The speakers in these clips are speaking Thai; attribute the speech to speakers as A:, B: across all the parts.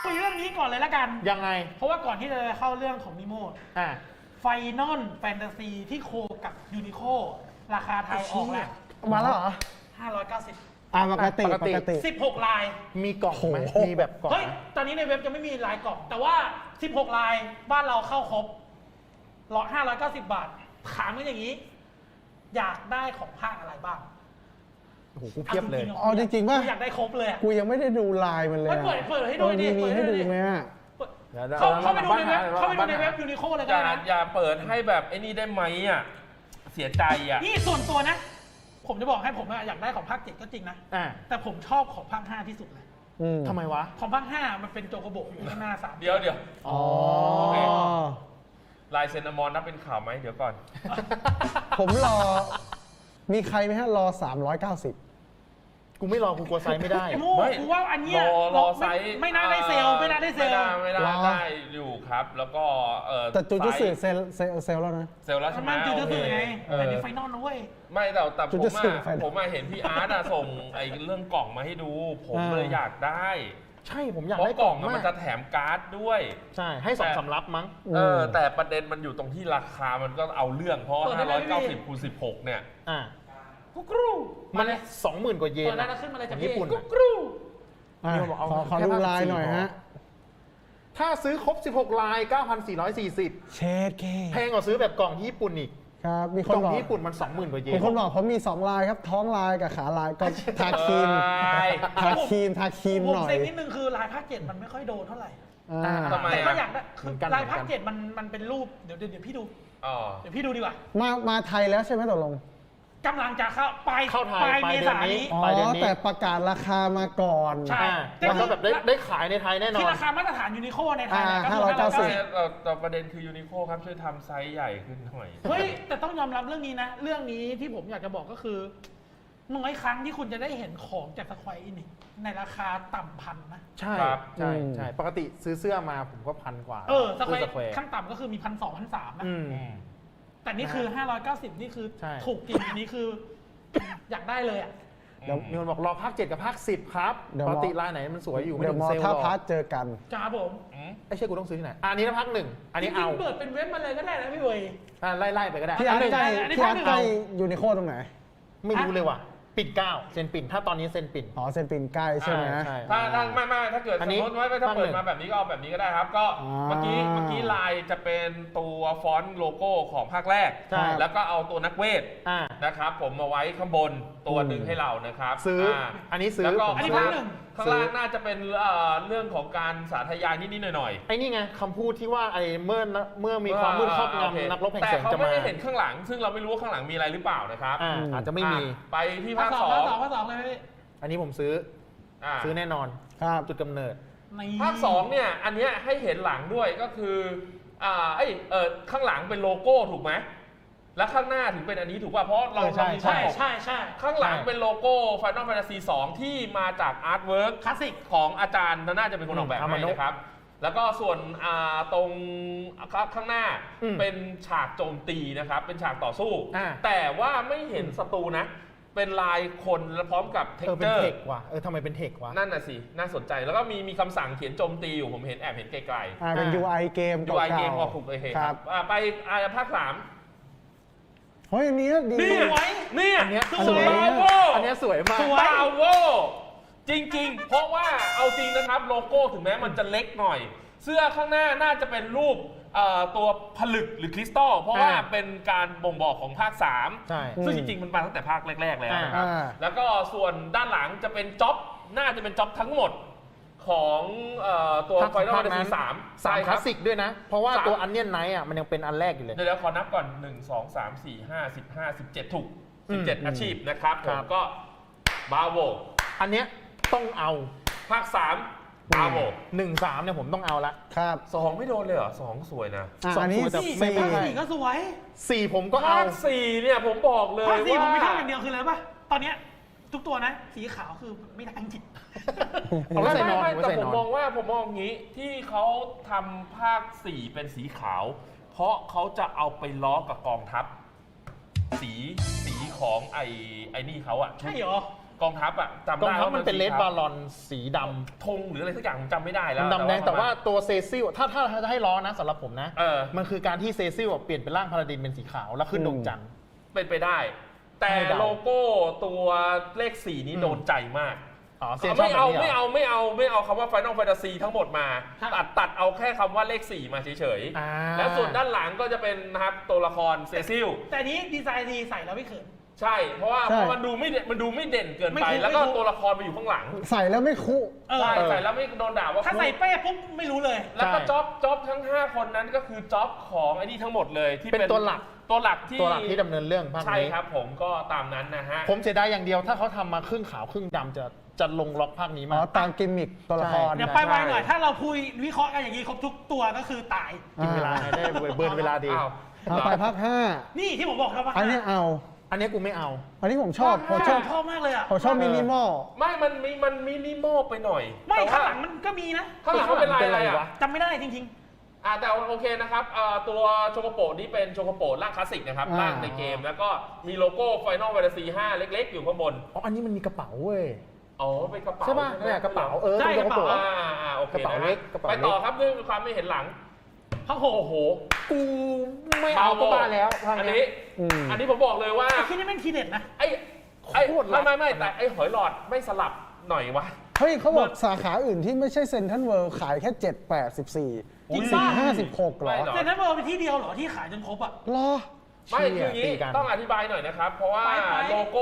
A: คุยเรื่องนี้ก่อนเลยละกัน
B: ยังไง
A: เพราะว่าก่อนที่จะเข้าเรื่องของนิโม ไฟนอลแฟนตาซีที่โคกับยูนิโคราคาไทยออกแล้ว
C: มาแล้วเหรอ
A: 590
C: ปกติ
B: ปกติ
A: 16 ลาย
B: มีกล่องไหมมีแบบกล่อง
A: เฮ้ย
B: ไหม
A: ตอนนี้ในเว็บจะไม่มีลายกล่อง แต่ว่า 16 ลายบ้านเราเข้าครบ590 บาท ถามกันอย่างนี้ อยากได้ของภาคอะไรบ้าง
B: โอ้โหกูเพียบเลย
C: เอาจริงๆป่ะ
A: อยากได้ครบเลยอะ
C: กูยังไม่ได้ดูลายมันเลย
A: เปิดให้ดูดิ
C: มีให้ดูไหมอะ
A: เข้าไปดูในเว็บยูนิโคเลยก็ได้นะ
D: อย่าเปิดให้แบบไอ้นี่ได้ไหมอ่ะเสียใจอ่ะ
A: นี่ส่วนตัวนะ ผมจะบอกให้ผมอยากได้ของภาค 7 ก็จริงนะ แต่ผมชอบของภาค 5 ที่สุดเลย
B: ทำไมวะ
A: ของภาค 5 มันเป็นโจโกโบอยู่ข้างหน้า3
D: เดี๋ยว
C: อ๋อ
D: ลายเซนอมอนนับเป็นข่าวไหมเดี๋ยวก่อน
C: ผมรอ มีใครไหมฮะ รอ 390
B: กูไม่รอกูกลัวไซส์ไม่ได้
A: โม่กูว่าอันเนี้ย
D: รอไซส์
A: ไม่น่าได้เซลล์ไม่น่าได้เซลล์
D: ไม่ได้อยู่ครับ แล้วก็
C: แต่จูจูสึ
D: ไซส์
C: เซลแล้วนะ
D: เซลล์แล้วใช่ไหม
A: มันจูจูสึไง
D: โอเค
A: อันนี้ไฟนอลนะเว้ย
D: ไม่แต่
C: จู
D: ผม
C: จูสึไฟนอล
D: ผมเห็นพี่อาร์ตส่งไอ้เรื่องกล่องมาให้ดู ผมเลยอยากได้
B: ใช่ผมอยาก
D: เพราะ
B: ได้
D: ก
B: ก
D: ล่
B: ล่
D: อ
B: อง ง
D: มั
B: มาน ก
D: จะแถมการ์ดด้วย
B: ใช่ให้2 สำรับมั้ง
D: แต่ประเด็นมันอยู่ตรงที่ราคามันก็เอาเรื่องเพราะ
A: เปิดได้ไหมพี่
D: 590คูณ16เนี่ย
A: กุ๊กรู
B: มัน 20,000 กว่าเยน
A: เปิดได้แล้วขึ้นมาเลย
B: ข
A: จาก
B: องญี่ปุ่น
A: กุ๊กรู
C: ขอดูลายหน่อยฮะ
B: ถ้าซื้อครบ 16 ลาย 9,440
C: เชดเค
B: แพงกว่าซื้อแบบกล่องที่ญี่ปุ่นอีก
C: ครับ มีค
B: กล่
C: น
B: อง
C: บอก
B: ที่ญี่ปุ่นมัน 20,000 กว่าเย
C: มี
B: น
C: คนบอกผมมี 2 ลายครับ ท้องลายกับขาลายก็ทาครีม ทาครีม
A: ผม
C: หน่อย
A: เซ็งนิดนึงคือลายภาค 7 มันไม่ค่อยโดนเท่าไหร่
D: ทำไม
A: แต่
D: อะ
A: ก็อยากได้คือ
B: เหมือนกัน
A: ลายภาค 7 มันเป็นรูปเดี๋ยวพี่ดู
D: อ๋อ
A: เดี๋ยวพี่ดูดีกว่า
C: มาไทยแล้วใช่ไหมตกลง
A: กำลังจะเข้าปลาย
B: เข้าไทย
A: ปลาย
B: ปลาย
A: เม
B: เดือน
A: ษายน
B: นี้
A: นี้
C: อ๋อ
B: ปลายเดือนนี้
C: แต่ประกาศราคามาก่อน
A: ใช่
B: แล้วก็แบบได้ขายในไทยแน่นอ
A: คือน ราคามาตรฐานยูนิโคในไทยเนี่ยก็คือ
C: 590
D: แต่ประเด็นคือยูนิโคครับช่วยทำไซส์ใหญ่ขึ้นหน่อย
A: เฮ้ย แต่ต้องยอมรับเรื่องนี้นะ เรื่องนี้ที่ผมอยากจะบอกก็คือน้อยครั้งที่คุณจะได้เห็นของจากสควออินิกในราคาต่ำพันนะ
B: ใช่
D: ครับ
B: ใช่ปกติซื้อเสื้อมาผมก็1,000 กว่า
A: สควอ
B: สแควร์
A: ขั้นต่ำก็คือมี1,200 1,300นะ
B: อืม
A: แต่นี่คือ 590 นี่คือ
B: ใช่
A: ถูกจริงอันนี้คือ อยากได้เลยอ่ะ
B: เดี๋ยวมีคนบอกรอภาค 7 กับภาค 10 ครับ
C: เดี๋ยว
B: ปกติลายไหนมันสวยอยู่ไม่
C: เดี๋ยว
B: ถึง
C: มอ
B: เซลล์
C: ท่า
B: หร
C: พา
B: อ
C: ร์ทเจอกัน
A: จ้าผม
B: ไอ้เชื่อกูต้องซื้อที่ไหนอันนี้นะภาค 1 อันนี้
A: จริ
B: เอา
A: งๆเปิดเป็นเว็บมาเลยก็ได้นะพี่เวย
B: ไล่ไปก็ได้
C: พี่อาร์ตใกล้
A: อันนี้
C: พี่อาร์ต
A: ภาคหนึ่ง
C: ใกล้ยูนิโคตรงไหน
B: ไม่รู้เลยว่ะปิ่น9เซนปิ่นถ้าตอนนี้เซนปิ่น
C: อ๋อเซนปินใกล้ใช่ไหม
B: ใช่
D: ถ้าไม่ถ้าเกิด
B: อั
D: ส
B: น
D: ม
B: นี้
D: มติว่าถ้า
B: ภาค
D: เปิ
B: หนึ่
D: ด
B: ง
D: มาแบบนี้ก็เอาแบบนี้ก็ได้ครับ ก็
C: อ่า
D: เมื่อกี้ลายจะเป็นตัวฟอนต์โลโก้ของภาคแรก
B: ใช่
D: แล้วก็เอาตัวนักเวท
B: อ่า
D: นะครับผมมาไว้ข้างบนตัวหนึ่งให้เรานะครับ
B: ซื้ออันนี้ซื้อ
D: แล้วก็
B: ผม
A: อันนี้
B: ซื้
A: ภาคหนึ่ง
D: ข้างล่างน่าจะเป็นเรื่องของการสาธยายนิดๆหน่อยๆ
B: ไอ้นี่ไงคำพูดที่ว่าไอ้เมื่อมีความมืดครอบ
D: โอเค
B: งำนักรบแห่ง
D: แต่
B: แสง
D: เขา
B: จะ
D: ไม่
B: มา
D: ได้เห็นข้างหลัง ซึ่งเราไม่รู้ว่าข้างหลังมีอะไรหรือเปล่านะครับ
B: อาจจะไม่มี
D: ไปที่
A: ภา
D: ภา
A: ค
D: ค
A: ส
D: ส
A: อ
D: อง ง
A: ภาคสองเลยพี่
B: อันนี้ผมซื้อ ซื้อแน่นอน
C: ครับ
B: จุดกำเนิด
D: ภาคสองเนี่ยอันเนี้ยให้เห็นหลังด้วยก็คือข้างหลังเป็นโลโก้ถูกไหมแล้วข้างหน้าถึงเป็นอันนี้ถูกป่ะเพราะเรา
B: ใช่
D: มี
A: ใช่
D: ภาค
A: ใช่
D: ข้างหลังเป็นโลโก้ Final Fantasy 2 ที่มาจากอาร์ตเวิร์ก
A: คลาสสิก
D: ของอาจารย์น่าจะเป็นคนออกแบบ
B: อามา
D: ให้
B: โนะ
D: นะครับ แล้วก็ส่วนตรงข้างหน้า
B: อืม
D: เป็นฉากโจมตีนะครับ เป็นฉากต่อสู้
B: อ่า
D: แต่ว่าไม่เห็นศัตรูนะ เป็นลายคนและพร้อมกับเทค
B: เป็
D: เจ
B: น
D: อร์
B: เทคว่ะทำไมเป็นเทควะ
D: นั่นน่ะสิ น่าสนใจ แล้วก็มีคำสั่งเขียนโจมตีอยู่ ผมเห็นแอบเห็นไกล
C: เป็น UI เกม
D: ๆ
C: เก่า
D: UI
C: ๆ
D: เกมออกถูกเลย
C: ค
D: ค
C: รั
D: รั
C: บบ
D: ไปภาค 3
C: เฮ้ยอันนี้ดี
D: เนี่ย
A: สวย
D: เนี่ย
B: อันเนี้ย
D: สวย
C: อันนี้
D: บราโว
B: อันเนี้ยสวยมาก
A: สวย
D: บราโวจริงๆ เพราะว่าเอาจริงนะครับโลโก้ถึงแม้มันจะเล็กหน่อย เสื้อข้างหน้าน่าจะเป็นรูปตัวผลึกหรือคริสตัลเพราะว่าเป็นการบ่งบอกของภาค 3
B: ใช่
D: ซึ่งจริงๆ มันมาตั้งแต่ภาคแรกๆ แล้วนะครับ แล้วก็ส่วนด้านหลังจะเป็นจ็อบน่าจะเป็นจ็อบทั้งหมดของตัว
B: ภาค
D: Final
B: ภาค
D: Fantasy
B: นั้น
D: 3
B: สามคลาสสิกด้วยนะ เพราะว่า
D: สาม
B: ตัวอันเนียนไนท์อ่ะมันยังเป็นอันแรกอยู่เลย
D: เดี๋ยวขอนับก่อน 1 2 3 4 5 15 17 ถูก 17 อาชีพนะครับผ
B: ครั
D: ม
B: บ
D: ก็บาโว
B: อันเนี้ยต้องเอา
D: ภาค 3 บาโว
B: 1-3เนี่ยผมต้องเอาละ
C: ครับ
D: 2 ไม่โดนเลยเหรอ 2 สวยนะ
C: อันนี้
B: แต่
A: สี่
B: ไม่
A: ภาค
B: ได้
A: สี่ก็สวย
B: 4ผมก็เอา
D: ภาค 4 เนี่ยผมบอกเลย
A: ภาคสี่ผมมี
D: ว่า
A: ท่าอย่างเดียวคืออะไรป่ะ ตอนเนี้ยทุกตัวนะ สีขาวคือไม่ได้จริง
B: เอาไว้ใส่นอน
D: ไม่
B: เอาไว้
D: แต่
B: ใส่
D: ผม
B: นอน
D: มองงี้ที่เขาทำภาค 4 เป็นสีขาว เพราะเขาจะเอาไปล้อกับกองทัพ สีของไอ้นี่เขาอะ
A: ใช่เหรอ
D: กองทัพอ่ะจำ
B: กอง
D: ได้
B: ทัพ
D: ว่า
B: มันเป็นเลด
D: สีขว
B: บาลอนสีดำ
D: ธงหรืออะไรสักอย่างผมจำไม่ได้แล้ว
B: ดำแดงแต่ว่าตัวเซซิลถ้าจะให้ล้อนะสำหรับผมนะ
D: เออ
B: มันคือการที่เซซิลเปลี่ยนเป็นร่างพาราดินเป็นสีขาวแล้วขึ้นดวงจันทร์
D: เป็นไปได้ แต่
B: ให้เดา
D: โลโก้ตัวเลข 4 นี้โดนใจมาก
B: อ๋อเซียนชอบ
D: ไม่
B: แบบ
D: เอา
B: นี้เหรอ
D: ไม่เอาคำว่า Final Fantasy ทั้งหมดมา
A: ครับ
D: ตัดเอาแค่คำว่าเลข 4 มาเฉย
B: อ่า
D: ๆ แล้วส่วนด้านหลังก็จะเป็นนะครับตัวละครเซซิล
A: แต่อันนี้ดีไซน์ดีใส่แล้วไม่เขิน
D: ใช่ เพราะว่า
C: ใช่
D: มันดูไม่เด่นเกิน
A: ไม่
D: ไป
A: คุ้ม
D: แล้วก็
A: ไม่คุ้ม
D: ตัวละครไปอยู่ข้างหลัง
C: ใส่แล้วไม่คุ
A: เออ
D: ใช่ใส่แล้วไม่โดนด่าว่า
A: ถ้าใส่เป้ปุ๊บไม่รู้เลย
D: แล้วก็
B: ใช่
D: จ็อบทั้ง 5 คนนั้นก็คือจ็อบของไอ้นี่ทั้งหมดเลยที่
B: เป็นตัวหลัก
D: ตัวหลักที่
B: ที่ดำเนินเรื่องภาค
D: ใช่
B: นี้
D: ครับผมก็ตามนั้นนะฮะ
B: ผมเสียดายอย่างเดียวถ้าเขาทำมาครึ่งขาวครึ่งดำจะลงล็อกภาคนี้
C: อ๋
B: มา
C: อตามกิมมิคตัวละคร
A: เดี๋ยวไปไวหน่อย ถ้าเราพูดวิเคราะห์กันอย่างนี้ครบทุกตัวก็คือตาย
B: กินเวลาไงได้เบิร์นเวลาดี
D: อ้าว
C: เอาไปภาค
A: นี่ที่ผมบอกครับว่า
C: 5 อันนี้เอา
B: อันนี้กูไม่เอา
C: อันนี้ผมชอบผมชอบ
A: ชอบมากเลยอ่ะ
C: ผมชอบมินิมอล
D: ไม่มันมินิมอลไปหน่อย
A: ไม่
D: แต่ว่
A: ข้างหลังมันก็มีนะ
D: ข้างหลังมันเป็นลายอะไร
B: เป็นไร
D: อ่ะ
B: วะ
A: จำไม่ได้จริง
D: แต่โอเคนะครับตัวโชโกโปะนี่เป็นโชโกโปะร่างคลาสสิกนะครับ
C: อ่า
D: ร่างในเกม แล้วก็มีโลโก้ Final Fantasy 5 เล็กๆ อยู่ข้างบน
B: อ๋ออันนี้มันมีกระเป๋าเว้ย
D: อ๋อเป็นกระเป๋า
B: ใช่ป่ะ
D: ไหม
B: เนี่ยกระเป๋า
A: ใช่
B: เป็น
A: กระเป๋า
D: โอเค
B: กระเป๋า
D: นะ
B: เล็
D: ฮะ
B: กกระเป๋า
D: ไป
B: เล็ก
D: ต่อครับด้วยความไม่เห็นหลัง
A: ๆพังโห
D: โอ้โห
B: กูไม่เอาก็บ้าแล้วภาค
D: อัน
B: นี้
D: นี้
C: อืม
D: อันนี้ผมบอกเลยว่า
A: แต่คิดนี่แม่งทีเด็ดนะ
D: ไอ้
B: โคตรลับ
D: ไม่แต่ไอ้หอยหลอดไม่สลับหน่อยวะ
C: เฮ้ยเขาบอกสาขาอื่นที่ไม่ใช่เซ็นทรัลเวิลด์ขายแค่ 7 8 14
A: จริง
C: สี่
A: ป่ะ
C: ห้า16เหรอ
D: ไม่หรอก
A: เซ็นทรัลเวิลด์เป็นที่เดียวเหรอที่ขายจนครบอ่ะ
C: เหรอ
D: ไม่คืออย่าง
B: ตี
D: นี้
B: กัน
D: ต้องอธิบายหน่อยนะครับ เพราะว่า
A: ไป
D: โลโก้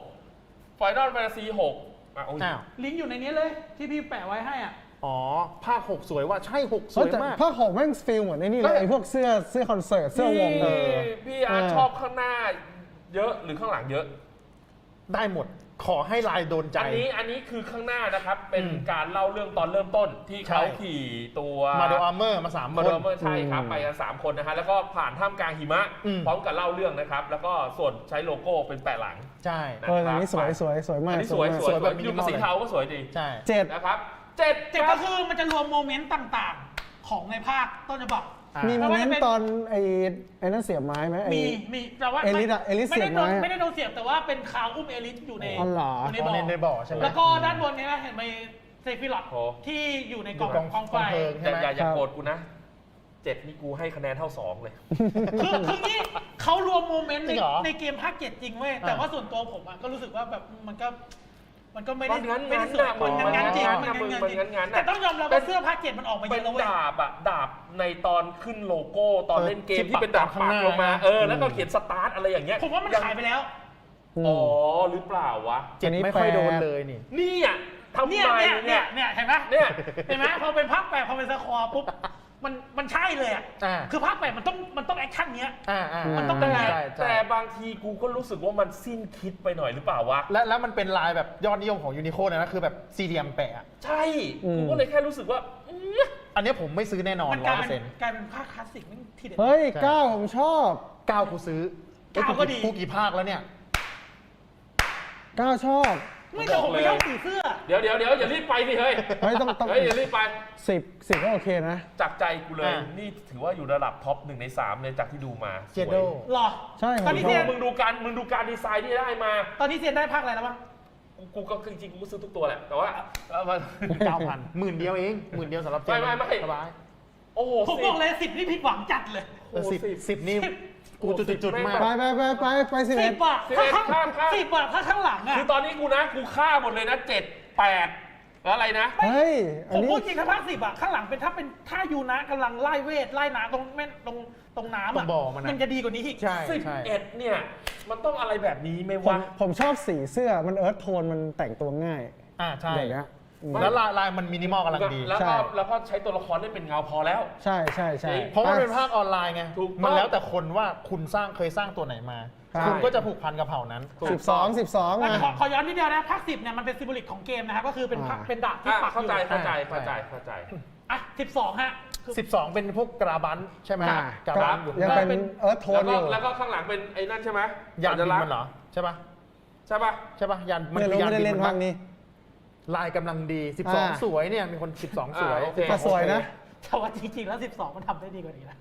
D: Final Fantasy 6โอ้ย
B: อ้าว
A: ลิงก์อยู่ในนี้เลยที่พี่แปะไว้ให้อ่ะ
B: อ๋อภาค 6 สวยว่ะใช่ 6 ส
C: เฮ้ย
B: วย
C: แต่
B: มาก
C: ภาค6แม่งฟิลเหมือนไอ้นี่เลยไอ้พวกเสื้อคอนเสิร์ตเสื้อวง
D: พี่อาร์ตชอบข้างหน้าเยอะหรือข้างหลังเยอะ
B: ได้หมดขอให้ลายโดนใจ
D: อันนี้คือข้างหน้านะครับ เป็น
B: อืม
D: การเล่าเรื่องตอนเริ่มต้นที่เขา
B: ใช่
D: ขี่ตัว
B: มาโดอาร์เมอร์มา3
D: มา
B: ค
D: โด
B: น
D: เมอร์ใช่ครับไปกัน3คนนะฮะแล้วก็ผ่านท่ามกลางหิมะ
B: อืม
D: พร้อมกับเล่าเรื่องนะครับ แล้วก็ส่วนใช้โลโก้เป็นแปะหลัง
B: ใช่
C: เอออันนี้สวยสวยสวย
D: อั
C: มาก
D: นนี้สวย
C: มาก
D: สวย
B: แบบ
D: อยู่กับสีเทาก็สวยดี
B: ใช่
C: 7
D: นะครับเ
A: เจ็บก็คือมันจะรวมโมเมนต์ต่างๆ ของในภาคต้นฉบับ
C: มีโม
A: ไม่
C: เม
A: ว่าน จะเป็
C: ต์
A: น
C: ตอนไอ้นั่นเสียบไม้ไหมไอ้
A: มีแต่ว่า
C: เอลิสอะเอลิส
A: ไม่ได้
C: เสียบไม้อะ
A: ไม่ได้โดนเสียบแต่ว่าเป็นคาวอุ้มเอลิสอยู่ใน
C: อ๋อเหรอ
A: อยู่ใน
B: อ๋อในบ่อใช่ไหม
A: แล้วก็ด้านบนเนี้นะเห็นไหมเซฟิลอต
D: โอ้
A: ที่อยู่ในกล่อง
B: อยู่กล่อง
A: กองไฟ
B: เพลิง
D: แต่อย่า
C: ครับ
D: โกรธกูนะ7นี่กูให้คะแนนเท่า2เลย
A: คือนี่เขารวมโมเมนต์
B: จริงเหรอ
A: ในเกมภาคเจ็ดจริงเว้ยแต่ว่าส่วนตัวผมอะก็รู้สึกว่าแบบมันก็ไม่ได้
D: มันงั้น
A: ไม่ได้สวย
D: ๆ
A: มันงั้นๆจริง
D: มัน
A: มันงั้นๆจริง
D: มันงั้นๆ
A: แต่ต้องยอมรับว่าเสื้อภาคเจ็ดมันออกมาเย
D: เป็
A: อะ
D: น
A: แล้วเว้ย
D: ดาบอะดาบในตอนขึ้นโลโก้ตอนเล่นเกม
B: ที่
D: ที่เป็นดาบ
B: ปักข้าง
D: ปั
B: ห
D: ก
B: น้า
D: ลงมาแล้วก็เขียนสตาร์ทอะไรอย่างเงี้ย
A: ผมว่ามันขายไปแล้ว
D: อ๋อหรือเปล่าวะ
B: เจ็ด
C: อันนี้
B: ไม่ค่อยโดน
C: แปล
B: เลยนี่
D: นี่อ่ะทำไม
A: เนี่ยเห็นไหม
D: เนี่ย
A: เห็นไหมพอเป็นภาคแปดพอเป็นสคอร์ปุ๊บมันใช่เลยอ่ะ
B: อ่า
A: คือภาคแปดมันต้องแอคชั่นเนี้ย
B: มัน
A: ต้องเป็นไง
B: ใช่
D: แต่บางทีกูก็รู้สึกว่ามันสิ้นคิดไปหน่อยหรือเปล่าวะ
B: แล้วมันเป็นลายแบบยอดนิยมของยูนิโคนะคือแบบสี่เหลี่ยมแปะ
D: ใช่กูก็เลยแค่รู้สึกว่า
B: อันนี้ผมไม่ซื้อแน่นอน
A: มันกลาย
B: 100%
A: เป็นภาคคลาสสิกนี่ทีเด็ด
C: เฮ้ย
B: ใช่
C: 9ผมชอบ
B: 9กูซื้อ
A: เก้าก็ดี
B: กูกี่ภาคแล้วเนี่ย
C: 9 ชอบ
A: ไม่แต่ผมไม่ชอบสีเสื้อ
D: เดี๋ยวอย่ารีบไปสิเฮ้ย
C: เฮ้ยต้อง
D: เฮ้ยอย่ารีบไป
C: 10ก็โอเคนะ
D: จากใจกูเลย
B: อ่ะ
D: นี่ถือว่าอยู่ระดับท็อป1 ใน 3เลยจากที่ดูมา
B: เจโด
A: หรอ
C: ใช่ผ
A: ตอน
C: ม
A: นี้
C: ช
A: เซี
C: อย
A: น
C: บ
D: มึงดูการดีไซน์ที่ได้มา
A: ตอนนี้เซียนได้ภาคอะไรแล้วบ้าง
D: กูก็จริงๆกูก็ซื้อทุกตัวแหละ แต่ว่า
B: 9,000หมื่นเดียวเองหมื่นเดียวสำหรับเจ
D: ไม่
B: สบาย
D: โอ้โห
A: ผมบอกเลย10นี่ผิดหวังจัดเลย
B: สิบนี่กูจุดๆมาก
C: ไป11
A: 10อ่ะ10อ่ะถ้าข้างหลังอ่ะ
D: คือตอนนี้กูฆ่าหมดเลยนะ7 8แล้วอะไรนะ
C: เฮ้ย อั
A: ผ
C: น
A: ม
C: นี้
A: พูดจริงถ้าภาค10อ่ะข้างหลังเป็นถ้ายูนะกำลังไล่เวทไล่น้ำตรงน้ำ
B: ตร
A: อ่ะ
B: งบ่อมัน
A: ยังจะดีกว่านี้อีก
B: ใช่
D: 11เนี่ยมันต้องอะไรแบบนี้ไหม
C: ผม
D: วะ
C: ผมชอบสีเสื้อมันเอิร์ธโทนมันแต่งตัวง่าย
B: ใช่
C: อย่างเงี้ยอืม
B: แล้วลายมันมินิมอลกำลังดี
D: แล้ว
C: ใช่
D: ก็ใช้ตัวละครเล่นเป็นเงาพอแล้ว
C: ใช่ใช่
B: เพราะว่าเป็นภาคออนไลน์ไง
D: ถูกต้อง
B: มันแล้วแต่คนว่าคุณเคยสร้างตัวไหนมา
C: ใช่
B: คุณก็จะผูกพันกับเผ่านั้น
C: 12
A: แต่
C: อ่ะ
A: ขอย้อนนิดเดียวนะภาค10เนี่ยมันเป็นซิมโบลิกของเกมนะครับก็คือเป็น
C: อ่า
A: เป็นดาบที่ปักอ
D: เข้า
A: ยู่
D: ใจ
A: อ่ะ12ฮะคือ
B: 12 เป็นพวกกราบันใช่ไหม
C: อ่า
B: กราบันอยู่
C: ยังเป็นเอิร์ธโทนอยู่
D: แล้วก็ข้างหลังเป็นไอ้นั่นใช่ไหม
B: ยานบินมันเหรอใช่ปะ
D: ใช่ป่ะ
B: ใช่ปะยาน
C: ไม่รู้
B: คือยา
C: ไม่ได้เล่น
B: บิ
C: ภาคนี้
B: ลายกำลังดี
C: อ่า
B: 12 สวยเนี่ยมีคน 12 สวย
D: โอเค
C: แต่สวยนะ
A: แต่ว่าจริงๆแล้ว12มันทำได้ดีกว่านี้นะ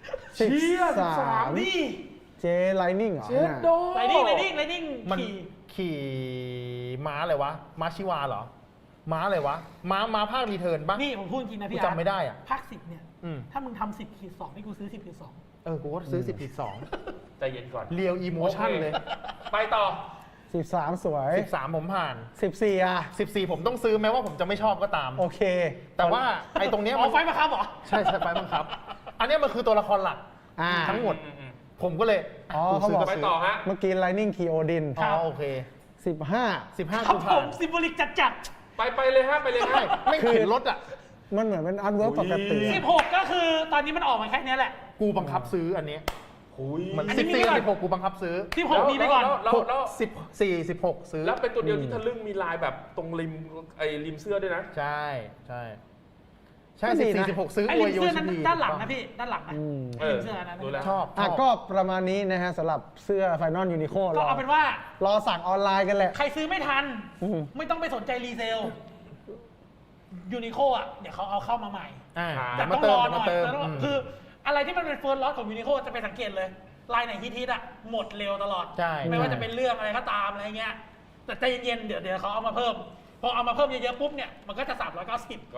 D: เชี่ย
C: 13
A: นี่
C: เจไลนิ่งเหรอ
D: เจ็ดโด
A: ไลนิ่ง
B: มัน
A: ขี่
B: ขี่ม้าอะไรวะ ม้าชิวาเหรอ ม้าอะไรวะ ม้าภาครีเทิร์นปะ
A: นี่ผมพูดจริงนะพี่
B: กูจำไม่ได้อะ
A: ภาค 10 เนี่ย
B: อืม
A: ถ้ามึงทำ10-2 นี่กูซื้อ 10-2
B: กูก็ซื้อ 10.2
D: ใจเย็นก่อน
B: เรียวอีโมชั่นเลย
D: ไปต่อ
C: 13 สวย
B: 13 ผมผ่าน
C: 14อ่ะ
B: 14 ผมต้องซื้อแม้ว่าผมจะไม่ชอบก็ตาม
C: โอเค
B: แต่ว่าไอ้ตรงเนี้ย
A: อ๋
B: มั
A: อน ไฟมาครับเหรอ
B: ใช่ไฟบังคับ อันเนี้ยมันคือตัวละครหลัก
C: อ่า
B: ทั้งหมด
D: อืม
B: ผมก็เลย
C: อ๋อ
B: กูซื้
C: เขาบอก
D: ไป
B: ซื้
D: ต่อฮะ
C: เมื่อกี้ Lightning Key Odin
B: อ๋อโอเค
C: 15
B: 15
A: ครับ
B: กู
A: ผ
B: ผ่าม น
A: ซิมโบลิกจัด
D: ไปเลยฮะไปเลยฮะ
B: ใช่ไม่เข็นรถอ่ะ
C: มันเหมือนเป็นอันเวิร์กปกติ
B: โอ้ย
C: อะ
A: 16 ก็คือตอนนี้มันออกมาแค่เนี้ยแหละ
B: กูบังคับซื้ออันเนี้ย
D: หุย
B: มัน
A: อันนี้มี
B: 14
A: ก่อน
B: กับ16กูบังคับซื้อ
A: 16มีไปก่อน
D: แล้ว
B: 14 16 ซื้อ
D: แล้วเป็นตัวเดียวที่ทะลึ่งมีลายแบบตรงริมเสื้อด้วยนะ
B: ใช่ใช่ใช่
C: ก็ดีนะ
B: 14 16 ซื้อ
A: ไอ้
B: อ
A: ริ
B: ว
A: ม
B: ยโย
A: เสื้อ
B: ชิ
A: นั้น
B: พี
A: ด้านหลังนะพี่ ด้านหลังนะ
C: อืม
A: ริมเสื้อนั้น
D: ดูแล้ว
B: ชอบ
C: อ่ะก็ประมาณนี้นะฮะสำหรับเสื้อ Final Unico
A: ก็เอาเป็นว่า
C: รอสั่งออนไลน์กันแหละ
A: ใครซื้อไม่ทัน
C: อืม
A: ไม่ต้องไปสนใจรีเซลยูนิโคอ่ะ เดี๋ยวเขาเอาเข้ามาใหม่
B: อ่า
A: แต่
B: มา
A: ต้อง
B: เติ
A: ร
B: ม
A: อหน่
B: มา
A: อย
B: เติม
A: แล้วก็คืออะไรที่มันเป็นเฟิร์สล็อตของยูนิโคจะไปสังเกตเลย ลายไหนฮิตๆอ่ะ หมดเร็วตลอด
B: ใช่
A: ไม่ว่าจะเป็นเรื่องอะไรก็ตามอะไรเงี้ย แต่ใจเย็นๆ เดี๋ยวเขาเอามาเพิ่ม พอเอามาเพิ่มเยอะๆปุ๊บเนี่ย มันก็จะ 390
D: ก็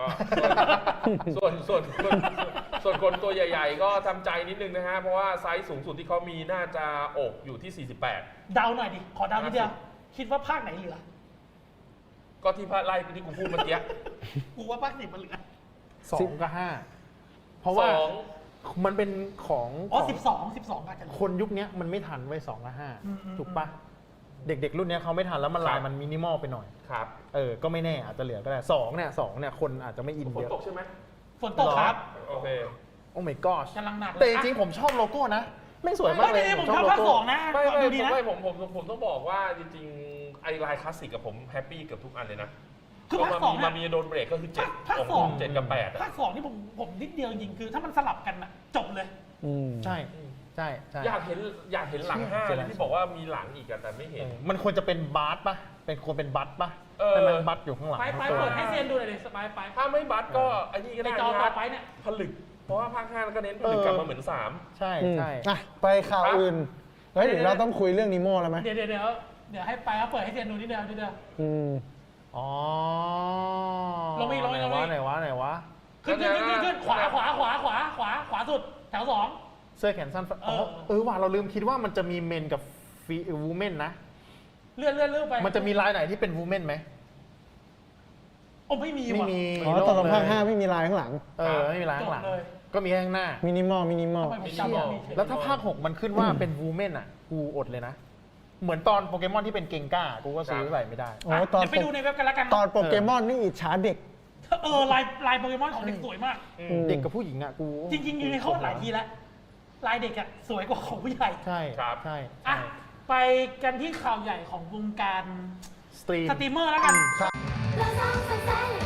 D: ส่วนคนตัวใหญ่ ๆ ก็ทำใจนิดนึงนะฮะ เพราะว่าไซส์สูงสุดที่เขามีน่าจะอกอยู่ที่ 48
A: เดาหน่อยดิ ขอเดานิดเดียว คิดว่าภาคไหนเหลือ
D: ก็ที่พระไล่ที่กูพูดเมื่อกี้
A: กูว่าภาค10มันเหลือ
B: 2 กับ 5 เพราะว่า
D: สอง
B: มันเป็นของ
A: อ๋อ
B: ของ
A: 12อาจจะเหลือ
B: คนยุคเนี้ยมันไม่ทันไว้2กับ
A: อืม
B: 5ถูกปะเด็กๆ รุ่นเนี้ยเขาไม่ทันแล้วมันลายมันมินิมอลไปหน่อย
D: ครับ
B: ก็ไม่แน่อาจจะเหลือก็ได้2เนี่ยคนอาจจะไม่อิน
D: ฝน
B: เยอะ
D: ตกใช่ไหม
A: ฝนตกครับ
D: โอเค
B: โอ้ my gosh
A: กำลังหนักเลย
B: แต่จริงๆผมชอบโลโก้นะ ไม่สวยมากเลย
A: ผมชอบภาค 2 นะ
D: ไม่
A: ดูดีนะ
D: ผมต้องบอกว่าจริงๆ ไอลายคลาสสิกกับผมแฮปปี้กับทุกอันเลยนะ
A: คือภาค 2
D: มามีโดนเบรกก็คือ7
A: ภาค
D: ของ
A: 2
D: 7กับ8อะ
A: ภาค 2 นี่ผมนิดเดียวจริงๆคือถ้ามันสลับกันอะจบเลย
C: อืม
B: ใช่ใช่ใช่
D: อยากเห็นหลัง5เลยที่บอกว่ามีหลังอีกอะแต่ไม่เห็น
B: มันควรจะเป็นบาร์ปะควรเป็นบัตปะ
D: เออ
B: แต่มันบัตอยู่ข้างหลัง
A: ไปเปิดให้เซียนดูหน่อยดิสบายไป
D: ถ้าไม่บัตก็ไอ้นี่ก็
A: ใน
D: ได้
A: จอต่อ
D: นะ
A: ไปเนี่ย
D: ผลึก เพราะว่าภาค5ก็เน้นผลึกกลับมาเหมือน
B: ใช่
C: อืม
B: ใช่
C: อ่ะไปข่าวอื่น เฮ้ยเดี๋ยวเราต้องคุยเรื่องนิโม่แล้วไหม
A: เดี๋ยวให้ไปเขาเปิดให้เซียนดูนิดเดียว
C: อืม
B: อ๋อ
A: ลงอีก
B: ไหนวะ
A: ขึ้นขวาสุดแถว 2
B: เสื้อแขนสั้นว่ะเราลืมคิดว่ามันจะมีเมนกับวูแมนนะ
A: เลื่อนไป
B: มันจะมีลายไหนที่เป็นวูแมนไหม
A: โอ้ไม่มี
B: ไม่
A: ว่ะ
B: มี
C: อ๋อตอนลงภาค 5 ไม่มีลายข้างหลัง
B: ไม่มีลายข้างหลัง
A: จบเลย
B: ก็มีแค่ข้างหน้า
C: มินิมอล
A: ทำไมผมจำไม่ได้
B: แล้วถ้าภาค 6 มันขึ้นว่าเป็นวูแมนอ่ะ กูอดเลยนะ เหมือนตอนโปเกมอนที่เป็นเกงก้า กูก็ซื้อใส่ไม่ได้
C: โอ้ตอน
A: เดี๋ยวไปดูในเว็บกันแล้วกัน
C: ตอนโปเกมอนนี่อิจฉาเด็ก
A: ลายโปเกมอนของเด็กสวยมาก
B: เด็กกับผู้หญิงอ่ะ กู
A: จริงๆอยู่ในเขาหลายทีแล้ว ลายเด็กอะสวยกว่าของผู้ใหญ่
B: ใช่
D: ครับ
B: ใช่
A: อ่ะ ไปกันที่ข่าวใหญ่ของวงการ
B: สตรีม
A: สตรีมเมอร์แล้วกัน
E: เราสองสดใสและ